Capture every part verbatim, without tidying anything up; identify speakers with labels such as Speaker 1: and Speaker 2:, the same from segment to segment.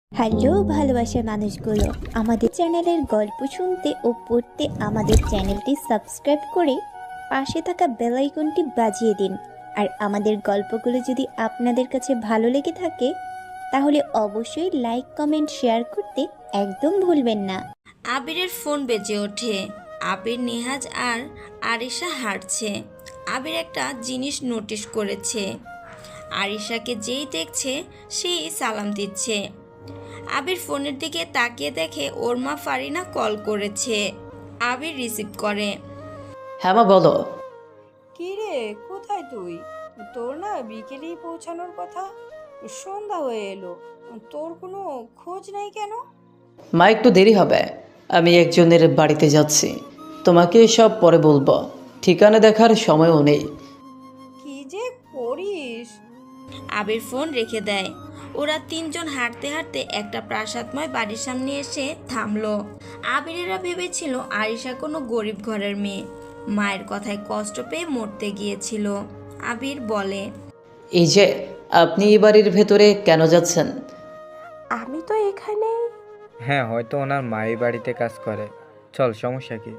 Speaker 1: Hello ভালোবাসার মানুষগুলো, আমাদের চ্যানেলের গল্প শুনতে ও পড়তে আমাদের চ্যানেলটি সাবস্ক্রাইব করে পাশে থাকা বেল আইকনটি বাজিয়ে দিন। আর আমাদের গল্পগুলো যদি আপনাদের কাছে ভালো লেগে থাকে তাহলে অবশ্যই লাইক কমেন্ট শেয়ার করতে একদম ভুলবেন না।
Speaker 2: আবিরের ফোন বেজে ওঠে। আবির, নেহাজ আর আরিশা হাঁটছে। আবির একটা জিনিস নোটিশ করেছে, আরিশাকে যেই দেখছে সেই সালাম দিচ্ছে। আবির ফোনের দিকে তাকিয়ে দেখে ওর মা ফারিনা কল করেছে। আবির রিসিভ করে।
Speaker 3: হ্যাঁ মা, বলো।
Speaker 4: কি রে, কোথায় তুই? তোর না বিকেলেই পৌঁছানোর কথা, সন্ধ্যা হয়ে এলো, তোর কোনো খোঁজ নেই কেন?
Speaker 3: মা, একটু দেরি হবে, আমি একজনের বাড়িতে যাচ্ছি। তোমাকে সব পরে বলবো, ঠিকানা দেখার সময়ও নেই।
Speaker 4: কি যে করিস!
Speaker 2: আবির ফোন রেখে দেয়। ওরা তিনজন হাঁটতে হাঁটতে একটা প্রাসাদময় বাড়ির সামনে এসে থামলো। আবিরেরা ভেবেছিল আরিশা কোনো গরিব ঘরের মেয়ে, মায়ের কথায় কষ্ট পেয়ে মরতে গিয়েছিল। আবির বলে,
Speaker 3: এই যে, আপনি এই বাড়ির ভেতরে কেন যাচ্ছেন?
Speaker 4: আমি তো এখানে
Speaker 5: হ্যাঁ, হয়তো ওনার মাই বাড়িতে কাজ করে। চল, সমস্যা কি?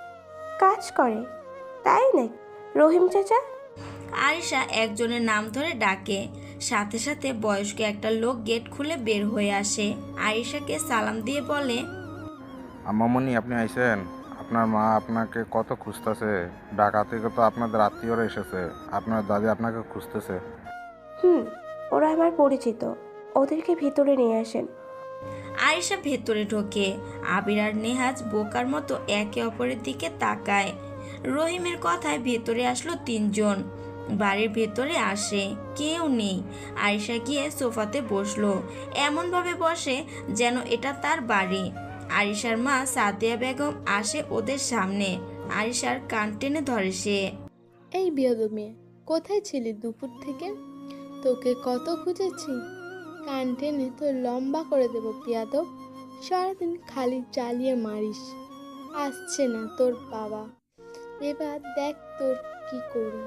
Speaker 4: কাজ করে, তাই নাকি? রহিম চাচা?
Speaker 2: আরিশা একজনের নাম ধরে ডাকে। সাথে সাথে বয়স্ক একটা লোক গেট খুলে বের হয়ে আসে। আরিশাকে সালাম দিয়ে বলে,
Speaker 6: আম্মামণি, আপনি আইছেন? আপনার মা আপনাকে কত খুঁজতেছে। ঢাকা থেকে তো আপনাদের আত্মীয়রা এসেছে, আপনার দাদি আপনাকে খুঁজতেছে।
Speaker 7: হুম, ওরা আমার পরিচিত, ওদেরকে ভিতরে নিয়ে আসেন।
Speaker 2: আরিশা ভেতরে ঢোকে। আবির আর নেহাজ বোকার মতো একে অপরের দিকে তাকায়। রহিমের কথায় ভেতরে আসলো তিনজন। বাড়ির ভেতরে আসে, কেউ নেই। আরিশা গিয়ে সোফাতে বসলো, এমনভাবে বসে যেন এটা তার বাড়ি। আরিশার মা সাদিয়া বেগম আসে ওদের সামনে। আরিশার কান টেনে ধরে সে।
Speaker 8: এই বিয়াদব মেয়ে, কোথায় ছিলি দুপুর থেকে? তোকে কত খুঁজেছি, কান টেনে তো লম্বা করে দেবো বিয়াদব। সারাদিন খালি জ্বালিয়ে মারিস। আসছে না তোর বাবা, এবার দেখ তোর কি করি।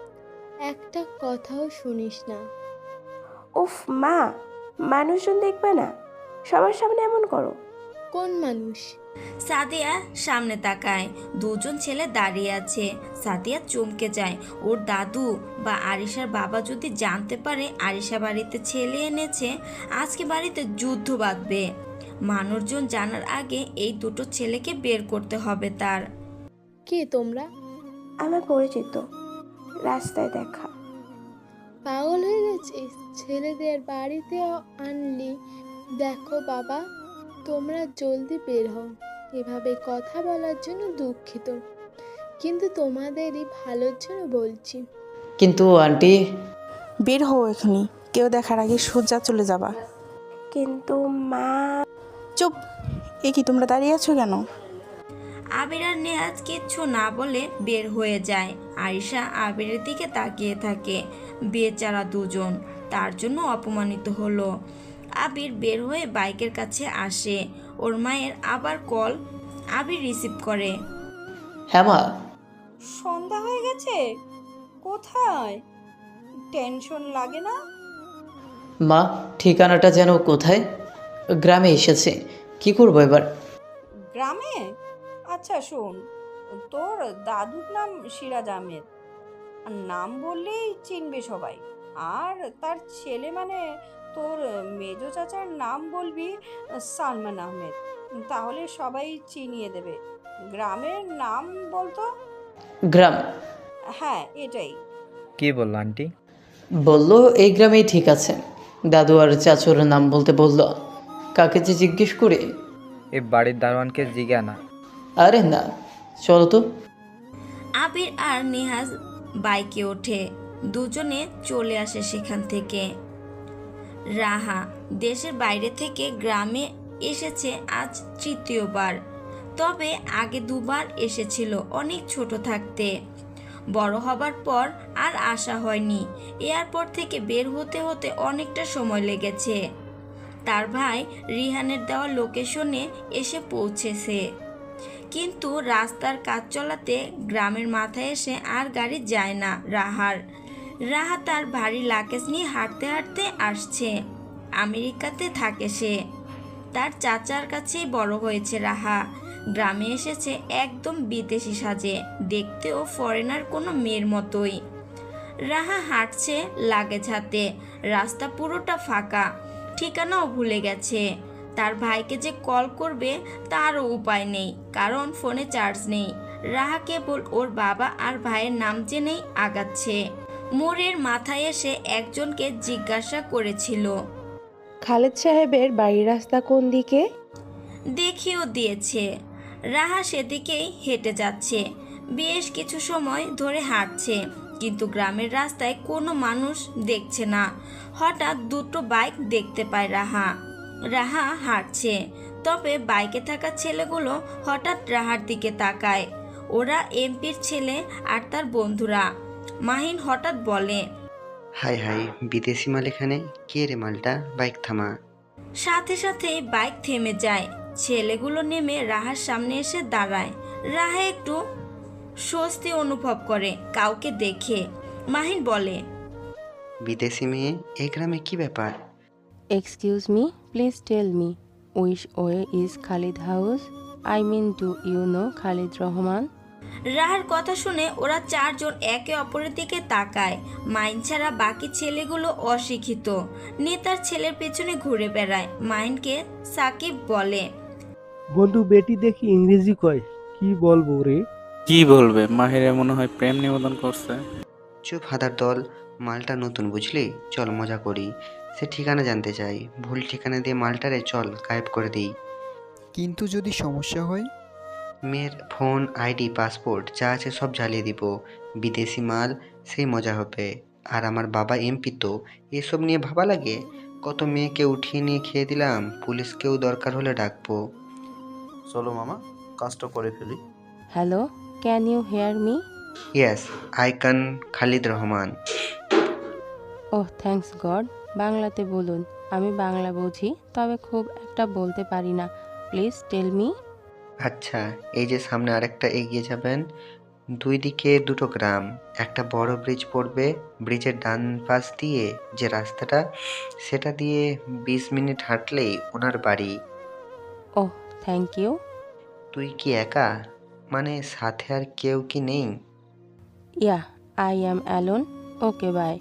Speaker 8: একটা কথাও শুনিস না।
Speaker 7: উফ মা, মানুষজন দেখবে না, সবার সামনে এমন করো?
Speaker 8: কোন মানুষ?
Speaker 2: সাদিয়া সামনে তাকায়, দুজন ছেলে দাঁড়িয়ে আছে। সাদিয়া চমকে যায়। ওর দাদু বা আরিশার বাবা যদি জানতে পারে আরিশা বাড়িতে ছেলে এনেছে, আজকে বাড়িতে যুদ্ধ বাঁধবে। মানুষজন জানার আগে এই দুটো ছেলেকে বের করতে হবে তার।
Speaker 8: কে তোমরা?
Speaker 7: আমার পরিচিত, রাস্তায় দেখা।
Speaker 8: পাগল হয়ে গেছিস? ছেলেদের বাড়িতে আনলি? দেখো বাবা, তোমরা জলদি বের হও। এভাবে কথা বলার জন্য দুঃখিত, কিন্তু তোমাদেরই ভালোর জন্য বলছি।
Speaker 3: কিন্তু আন্টি।
Speaker 9: বের হও এখনই, কেউ দেখার আগে সোজা চলে যাবা।
Speaker 7: কিন্তু মা।
Speaker 9: চুপ, এ কি তোমরা দাঁড়িয়ে আছো কেন?
Speaker 2: আবির আর নেহাজ কিচ্ছু না বলে বের হয়ে যায়। আরিশা আবিরের দিকে তাকিয়ে থাকে। বেচারা দুজন তার জন্য অপমানিত হলো। আবির বের হয়ে বাইকের কাছে আসে। ওর মায়ের আবার কল। আবির রিসিভ করে।
Speaker 3: হ্যাঁ মা।
Speaker 4: সন্ধ্যা হয়ে গেছে, কোথায়? টেনশন লাগে না?
Speaker 3: মা, ঠিকানাটা যেন কোথায়? গ্রামে এসেছে, কি করবো এবার?
Speaker 4: গ্রামে? আচ্ছা শোন, তোর দাদুর নাম সিরাজ আহমেদ, আর নাম বললেই চিনবে সবাই। আর তার ছেলে মানে তোর মেজো চাচার নাম বলবি সালমান আহমেদ, তাহলে সবাই চিনিয়ে দেবে। গ্রামের নাম বলতো?
Speaker 3: গ্রাম?
Speaker 4: হ্যাঁ, এটাই।
Speaker 5: কি বললো আন্টি?
Speaker 3: বললো এই গ্রামেই ঠিক আছে। দাদু আর চাচুর নাম বলতে বললো। কাকে যে জিজ্ঞেস করে?
Speaker 5: এই বাড়ির দারোয়ানকে জিজ্ঞা না।
Speaker 3: আরে না, চলো তো।
Speaker 2: আবির আর নেহাজ বাইকে ওঠে। দুজনে চলে আসে সেখান থেকে। রাহা দেশের বাইরে থেকে গ্রামে এসেছে আজ তৃতীয়বার। তবে আগে দুবার এসেছিল অনেক ছোট থাকতে। বড় হবার পর আর আসা হয়নি। এয়ারপোর্ট থেকে বের হতে হতে অনেকটা সময় লেগেছে। তার ভাই রিহানের দেওয়া লোকেশনে এসে পৌঁছেছে, কিন্তু রাস্তার কাজ চলাতে গ্রামের মাথায় এসে আর গাড়ি যায় না রাহার। রাহা তার ভারী লাকেজ নিয়ে হাঁটতে হাঁটতে আসছে। আমেরিকাতে থাকে সে। তার চাচার কাছেই বড় হয়েছে রাহা। গ্রামে এসেছে একদম বিদেশি সাজে, দেখতেও ফরেনার কোনো মেয়ের মতোই। রাহা হাঁটছে লাগেজ হাতে, রাস্তা পুরোটা ফাঁকা, ঠিকানাও ভুলে গেছে। তার ভাইকে যে কল করবে তারও উপায় নেই, কারণ ফোনে চার্জ নেই। রাহা কেবল ওর বাবা আর ভাইয়ের নাম জেনেই আগাচ্ছে। মোড়ের মাথায় এসে একজনকে জিজ্ঞাসা করেছিল,
Speaker 7: খালেদ সাহেবের বাড়ির রাস্তা কোন দিকে?
Speaker 2: দেখিও দিয়েছে। রাহা সেদিকেই হেঁটে যাচ্ছে। বেশ কিছু সময় ধরে হাঁটছে, কিন্তু গ্রামের রাস্তায় কোনো মানুষ দেখছে না। হঠাৎ দুটো বাইক দেখতে পায় রাহা। রাহা হাঁটছে, তবে বাইকে থাকা ছেলেগুলো হঠাৎ রাহার দিকে তাকায়। ওরা এমপির ছেলে আর তার বন্ধুরা। মাহিন হঠাৎ বলে,
Speaker 10: হাই হাই, বিদেশি মাল এখানে? কে রে মালটা? বাইক থামা।
Speaker 2: সাথে সাথেই বাইক থেমে যায়। ছেলেগুলো নেমে রাহার সামনে এসে দাঁড়ায়। রাহা একটু স্বস্তি অনুভব করে কাউকে দেখে। মাহিন বলে,
Speaker 10: বিদেশি মেয়ে, এই গ্রামে কি ব্যাপার?
Speaker 11: Excuse me, please tell me which way is Khalid house? I mean, do you know Khalid Rahman?
Speaker 2: রাহার কথা শুনে ওরা চারজন একে অপরের দিকে তাকায়। মাইন ছাড়া বাকি ছেলেগুলো অশিক্ষিত, নেতার ছেলের পেছনে ঘুরে বেড়ায়। মাইনকে সাকিব বলে,
Speaker 12: বন্ধু বেটি দেখি ইংরেজি কয়, কি বলবো রে?
Speaker 13: কি বলবে, মাহিরে মনে হয় প্রেম নিবেদন করছে।
Speaker 10: চুপ হাদার দল, মালটা নতুন বুঝলি, চল মজা করি। সে ঠিকানা জানতে চাই, ভুল ঠিকানা দিয়ে মালটারে চল গায়েব করে দিই।
Speaker 14: কিন্তু যদি সমস্যা হয়?
Speaker 10: মেয়ের ফোন, আইডি, পাসপোর্ট যা আছে সব জ্বালিয়ে দিব। বিদেশি মাল, সেই মজা হবে। আর আমার বাবা এমপি, তো এসব নিয়ে ভাবা লাগে? কত মেয়েকে উঠিয়ে নিয়ে খেয়ে দিলাম, পুলিশকেও দরকার হলে ডাকবো।
Speaker 15: চলো মামা, কাজটা করে ফেলি।
Speaker 11: Hello, can you hear me?
Speaker 10: Yes, I can Khalid Rahman.
Speaker 11: Oh thanks God. বাংলাতে বলুন, আমি বাংলা বুঝি, তবে খুব একটা বলতে পারি না। Please tell me.
Speaker 10: আচ্ছা, এই যে সামনে আরেকটা এগিয়ে যাবেন, দুই দিকে দুটো গ্রাম, একটা বড় ব্রিজ পড়বে। ব্রিজের ডান পাশ দিয়ে যে রাস্তাটা, সেটা দিয়ে বিশ মিনিট হাঁটলেই ওনার বাড়ি।
Speaker 11: Oh thank you.
Speaker 10: তুই কি একা? মানে সাথে আর কেউ কি নেই?
Speaker 11: Yeah, I am alone. Okay bye.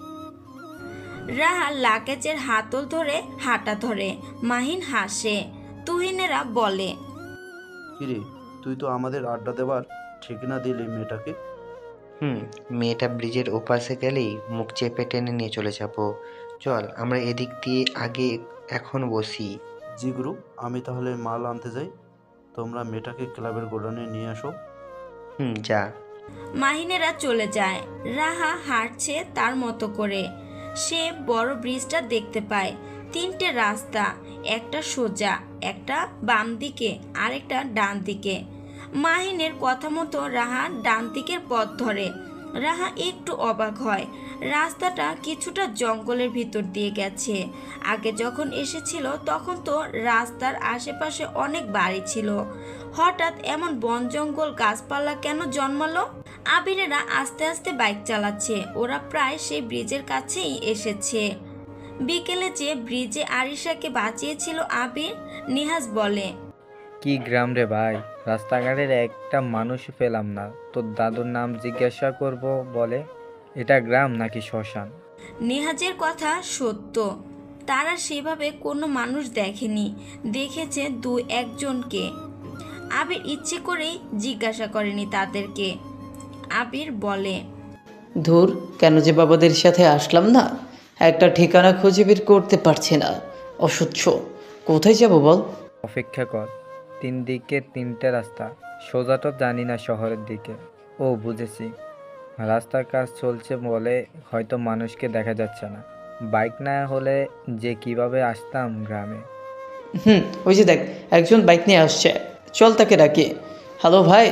Speaker 2: Raha লাগেজের হাতল ধরে হাঁটা ধরে। মাহিন হাসে। তুহিনেরা বলে,
Speaker 15: কিরে, তুই তো আমাদের আড্ডা দেবার ঠিকানা দিলি মেয়েটাকে।
Speaker 10: হুম, মেয়েটা ব্রিজের ওপাশে গেলেই মুখ চেপে টেনে নিয়ে চলে যাবো। চল আমরা এদিক দিয়ে আগে এখন বসি।
Speaker 15: জি গুরু, আমি তাহলে মাল আনতে যাই, তোমরা মেয়েটাকে ক্লাবের গোডাউনে নিয়ে আসো।
Speaker 10: হুম, যা।
Speaker 2: মাহিনেরা চলে যায়। রাহা হাঁটছে তার মতো করে। সে বড় ব্রিজটা দেখতে পায়। তিনটে রাস্তা, একটা সোজা, একটা বাম দিকে, আরেকটা ডান দিকে। মাহিনের কথা মতো রাহা ডান দিকের পথ ধরে। রাহা একটু অবাক হয়, রাস্তাটা কিছুটা জঙ্গলের ভিতর দিয়ে গেছে। আগে যখন এসেছিল তখন তো রাস্তার আশেপাশে অনেক বাড়ি ছিল, হঠাৎ এমন বন জঙ্গল গাছপালা কেন জন্মালো? আবিরেরা আস্তে আস্তে বাইক চালাচ্ছে। ওরা প্রায় সেই ব্রিজের কাছেই এসেছে। বিকেলে যে ব্রিজে আরিশাকে বাঁচিয়েছিল আবির, নিহাজ বলে,
Speaker 5: কি গ্রাম রে ভাই, রাস্তাঘাটের একটা মানুষ পেলাম না। তোর দাদুর নাম জিজ্ঞাসা করব বলে, এটা গ্রাম নাকি শ্মশান?
Speaker 2: নিহাজের কথা সত্য, তারা সেভাবে কোনো মানুষ দেখেনি, দেখেছে দু একজনকে। আবির ইচ্ছে করেই জিজ্ঞাসা করেনি তাদেরকে। আবির বলে,
Speaker 3: ধুর, কেন যে বাবাদের সাথে আসলাম না, একটা ঠিকানা খুঁজে বের করতে পারছি না। অসহ্য, কোথায় যাব বল?
Speaker 5: অপেক্ষা কর, তিন দিকে তিনটে রাস্তা, সোজাটা জানি না শহরের দিকে। ও বুঝেছি, রাস্তার কাজ চলছে বলে হয়তো মানুষকে দেখা যাচ্ছে না। বাইক না হলে যে কিভাবে আসতাম গ্রামে।
Speaker 3: হুম, ওই যে দেখ, একজন বাইক নিয়ে আসছে, চল তাকে ডাকি। হ্যালো ভাই।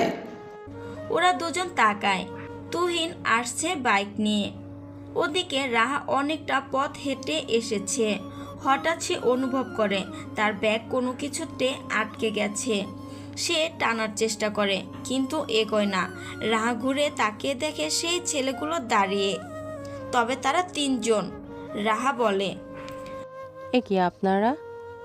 Speaker 2: ওরা দুজন তাকায়। তুহিন আসছে বাইক নিয়ে। ওদিকে রাহা অনেকটা পথ হেঁটে এসেছে। হঠাৎ সে অনুভব করে তার ব্যাগ কোনো কিছুতে আটকে গেছে। সে টানার চেষ্টা করে, কিন্তু এগোয় না। রাহা ঘুরে তাকিয়ে দেখে সেই ছেলেগুলো দাঁড়িয়ে, তবে তারা তিনজন। রাহা বলে,
Speaker 11: এ কি আপনারা?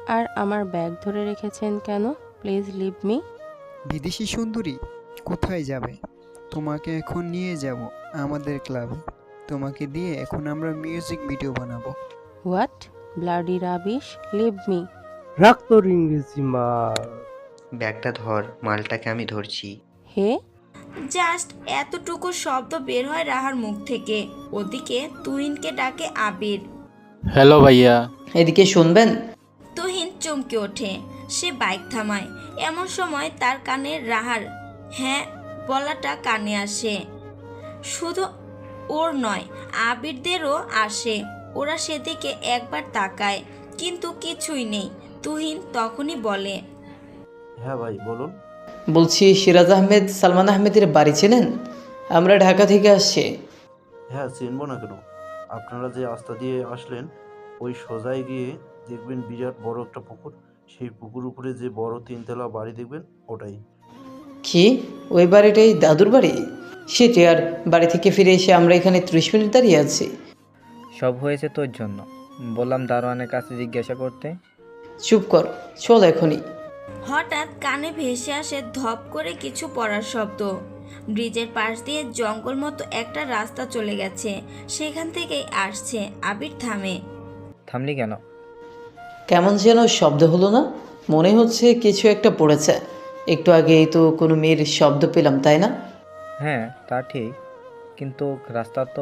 Speaker 11: আর আমার ব্যাগ ধরে রেখেছেন কেন? Please leave me.
Speaker 14: বিদেশি সুন্দরী কোথায় যাবে? তোমাকে এখন নিয়ে যাব আমাদের ক্লাবে। তোমাকে দিয়ে এখন আমরা মিউজিক ভিডিও বানাবো।
Speaker 11: What bloody rubbish, leave me.
Speaker 12: রাখ তোর ইংরেজি মাল।
Speaker 10: ব্যাগটা ধর, মালটাকে আমি ধরছি।
Speaker 11: হে,
Speaker 2: জাস্ট এতটুকু শব্দ বের হয় রাহার মুখ থেকে। ওদিকে তুহিনকে ডাকে আবির।
Speaker 13: হ্যালো ভাইয়া।
Speaker 3: এদিকে শুনবেন?
Speaker 2: তুহিন চমকে ওঠে। সে বাইক থামায়। এমন সময় তার কানে রাহার হ্যাঁ বলাটা কানে আসে। শুধু ওর নয়, আবিরদেরও আসে। ওরা সেদিকে একবার তাকায়, কিন্তু কিছুই নেই। তুহিন তখনই বলে,
Speaker 15: হ্যাঁ ভাই বলুন।
Speaker 3: বলছি সিরাজ আহমেদ সালমান আহমেদের বাড়ি চেনেন? আমরা ঢাকা থেকে আসছি।
Speaker 15: হ্যাঁ চিনবো না কেন? আপনারা যে রাস্তা দিয়ে আসলেন ওই সোজাই গিয়ে দেখবেন বিরাট বড় একটা পুকুর। সেই পুকুর উপরে যে বড় তিনতলা বাড়ি দেখবেন ওটাই।
Speaker 3: কি ওই বাড়িটাই দাদুর বাড়ি? সেটি আর বাড়ি থেকে ফিরে এসে আমরা এখানে ত্রিশ মিনিট দাঁড়িয়ে আছি।
Speaker 5: সব হয়েছে তোর জন্য। বললাম দারোয়ানের কাছে জিজ্ঞাসা করতে।
Speaker 3: চুপ কর, চল এখনই।
Speaker 2: হঠাৎ কানে ভেসে আসে ধপ করে কিছু পড়ার শব্দ। ব্রিজের পাশ দিয়ে জঙ্গল মতো একটা রাস্তা চলে গেছে। সেখান থেকেই আসছে। আবির থামে।
Speaker 5: থামলি কেন?
Speaker 3: কেমন যেন শব্দ হলো না? মনে হচ্ছে কিছু একটা পড়েছে। একটু আগেই তো কোনো মেয়ের শব্দ পেলাম, তাই না?
Speaker 5: হ্যাঁ তা ঠিক, কিন্তু রাস্তা তো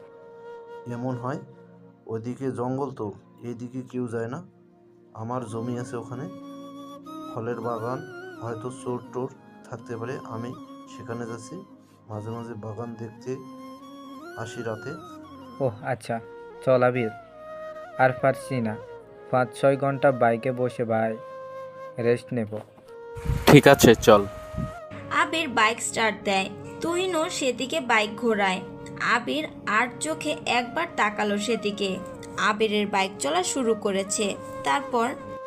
Speaker 15: এমন হয় ওদিকে জঙ্গল, তো এইদিকে কেউ যায় না। আমার জমি আছে ওখানে, ফলের বাগান, হয়তো চোর টোর থাকতে পারে। আমি সেখানে যাচ্ছি, মাঝে মাঝে বাগান দেখতে আসি রাতে।
Speaker 5: ওহ আচ্ছা, চল আবির। আর পারছি না, পাঁচ ছয় ঘন্টা বাইকে বসে ভাই, রেস্ট নেব।
Speaker 13: ঠিক আছে চল।
Speaker 2: আবির বাইক স্টার্ট দেয়। তুহিনও সেদিকে বাইক ঘোরায়। আবির আর চোখে একবার তাকালো সেদিকে। আবিরের বাইক চলা শুরু করেছে। তারপর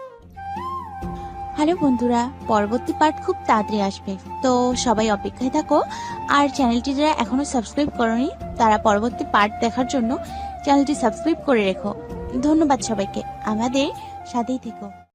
Speaker 1: হ্যালো বন্ধুরা, পরবর্তী পার্ট খুব তাড়াতাড়ি আসবে, তো সবাই অপেক্ষায় থাকো। আর চ্যানেলটি যারা এখনো সাবস্ক্রাইব করোনি তারা পরবর্তী পার্ট দেখার জন্য চ্যানেলটি সাবস্ক্রাইব করে রেখো। ধন্যবাদ সবাইকে, আমাদের সাথেই থেকো।